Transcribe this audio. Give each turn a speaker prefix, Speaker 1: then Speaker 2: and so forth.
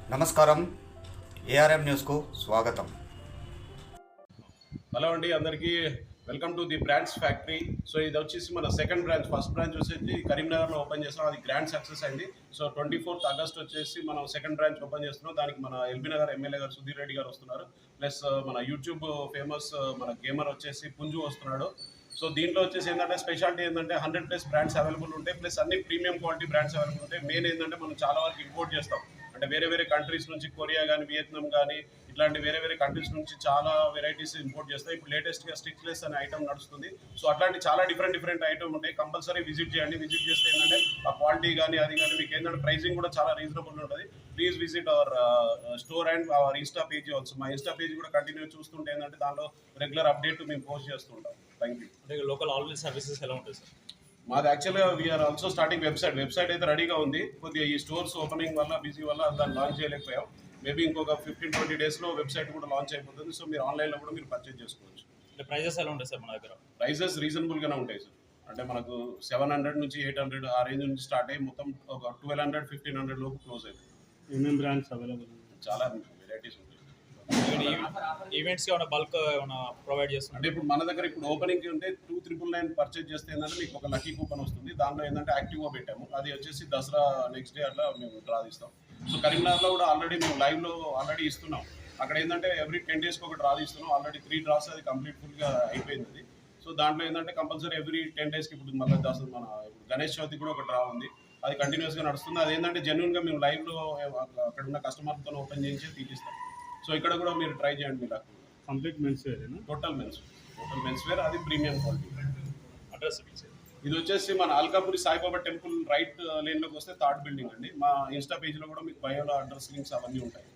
Speaker 1: నమస్కారం, ఏఆర్ఎం న్యూస్కు స్వాగతం.
Speaker 2: హలో అండి, అందరికీ welcome to the brands factory. So ఇది వచ్చేసి మన సెకండ్ బ్రాంచ్. ఫస్ట్ బ్రాంచ్ వచ్చేసి కరీంనగర్లో ఓపెన్ చేస్తున్నాం, అది గ్రాండ్ సక్సెస్ అయింది. సో 24th ఆగస్ట్ వచ్చేసి మనం సెకండ్ బ్రాంచ్ ఓపెన్ చేస్తున్నాం. దానికి మన ఎల్బీ నగర్ ఎమ్మెల్యే గారు సుధీర్ రెడ్డి గారు వస్తున్నారు. ప్లస్ మన యూట్యూబ్ ఫేమస్ మన గేమర్ వచ్చేసి పుంజు వస్తున్నాడు. సో దీంట్లో వచ్చేసి ఏంటంటే స్పెషాలిటీ ఏంటంటే 100+ బ్రాండ్స్ అవైలబుల్ ఉంటాయి, ప్లస్ అన్ని ప్రీమియం క్వాలిటీ బ్రాండ్స్ అవైలబుల్ ఉంటాయి. మెయిన్ ఏంటంటే మనం చాలా వరకు ఇంపోర్ట్ చేస్తాం, అంటే వేరే వేరే కంట్రీస్ నుంచి, కొరియా కానీ, వియత్నాం కానీ, ఇట్లాంటి వేరే వేరే కంట్రీస్ నుంచి చాలా వెరైటీస్ ఇంపోర్ట్ చేస్తాయి. ఇప్పుడు లేటెస్ట్గా స్టిక్లెస్ అనే ఐటమ్ నడుస్తుంది. సో అట్లాంటి చాలా డిఫరెంట్ ఐటమ్ ఉంటాయి. కంపల్సరీ విజిట్ చేయండి. విజిట్ చేస్తే ఏంటంటే ఆ క్వాలిటీ కానీ అది కానీ మీకు ఏంటంటే ప్రైసింగ్ కూడా చాలా రీజనబుల్ ఉంటుంది. Please visit our store and our insta page also. మా ఇన్స్టా పేజ్ కూడా కంటిన్యూ చూస్తుంటే ఏంటంటే దానిలో రెగ్యులర్ అప్డేట్ మేము పోస్ట్ చేస్తుంటాం. Thank you.
Speaker 3: అంటే లోకల్ ఆన్లైన్ సర్వీసెస్ ఎలా ఉంటాయి సార్?
Speaker 2: మాది యాక్చువల్గా వీఆర్ ఆల్సో స్టార్టింగ్ వెబ్సైట్ అయితే రెడీగా ఉంది. కొద్దిగా ఈ స్టోర్స్ ఓపెనింగ్ వల్ల బిజీ వల్ల దాన్ని లాంచ్ చేయలేకపోయాం. మేబీ ఇంకొక 15-20 డేస్లో వెబ్సైట్ కూడా లాంచ్ అయిపోతుంది. సో మీరు ఆన్లైన్లో కూడా మీరు పర్చేజ్ చేసుకోవచ్చు.
Speaker 3: అంటే ప్రైజెస్ ఎలా ఉంటాయి సార్ మన దగ్గర?
Speaker 2: ప్రైజెస్ రీజనబుల్గానే ఉంటాయి సార్. అంటే మనకు 700 నుంచి 800 ఆ రేంజ్ నుంచి స్టార్ట్ అయ్యి మొత్తం ఒక 1200-1500 లోపు క్లోజ్ అయిపోతుంది.
Speaker 4: ఏమేమి బ్రాండ్స్ అవైలబుల్?
Speaker 2: చాలా వెరైటీస్ ఉంటాయి.
Speaker 3: ఈవెంట్స్కి ఏమైనా బల్క్ ఏమైనా ప్రొవైడ్ చేస్తున్నారు?
Speaker 2: అంటే ఇప్పుడు మన దగ్గర ఇప్పుడు ఓపెనింగ్ ఉంటే 2,999 పర్చేజ్ చేస్తే ఏంటంటే మీకు ఒక లక్కీ కూపన్ వస్తుంది. దాంట్లో ఏంటంటే యాక్టివ్గా పెట్టాము. అది వచ్చేసి దసరా నెక్స్ట్ డే అట్లా మేము డ్రా తీస్తాం. సో కరీంనగర్లో కూడా ఆల్రెడీ మేము లైవ్లో ఆల్రెడీ ఇస్తున్నాం. అక్కడ ఏంటంటే ఎవ్రీ 10 daysకి ఒక డ్రా తీస్తున్నాం. ఆల్రెడీ 3 డ్రాస్ అది కంప్లీట్ ఫుల్గా అయిపోయింది. సో దాంట్లో ఏంటంటే కంపల్సరీ ఎవ్రీ 10 daysకి ఇప్పుడు మళ్ళీ మన ఇప్పుడు గణేష్ చవితి కూడా ఒక డ్రా ఉంది. అది కంటిన్యూస్గా నడుస్తుంది. అది ఏంటంటే జెన్యున్గా మేము లైవ్లో అక్కడ ఉన్న కస్టమర్తో ఓపెన్ చేయించి తీపిస్తాం. సో ఇక్కడ కూడా మీరు ట్రై చేయండి. మీరు
Speaker 4: కంప్లీట్ మెన్స్ వేరేనా?
Speaker 2: టోటల్ మెన్స్ వేర్, అది ప్రీమియం క్వాలిటీ.
Speaker 3: అడ్రస్
Speaker 2: ఇది వచ్చేసి మన అల్కాపురి సాయిబాబా టెంపుల్ రైట్ లేన్లోకి వస్తే 3rd బిల్డింగ్ అండి. మా ఇన్స్టా పేజ్లో కూడా మీకు బయోలో అడ్రస్ లింక్స్ అవన్నీ ఉంటాయి.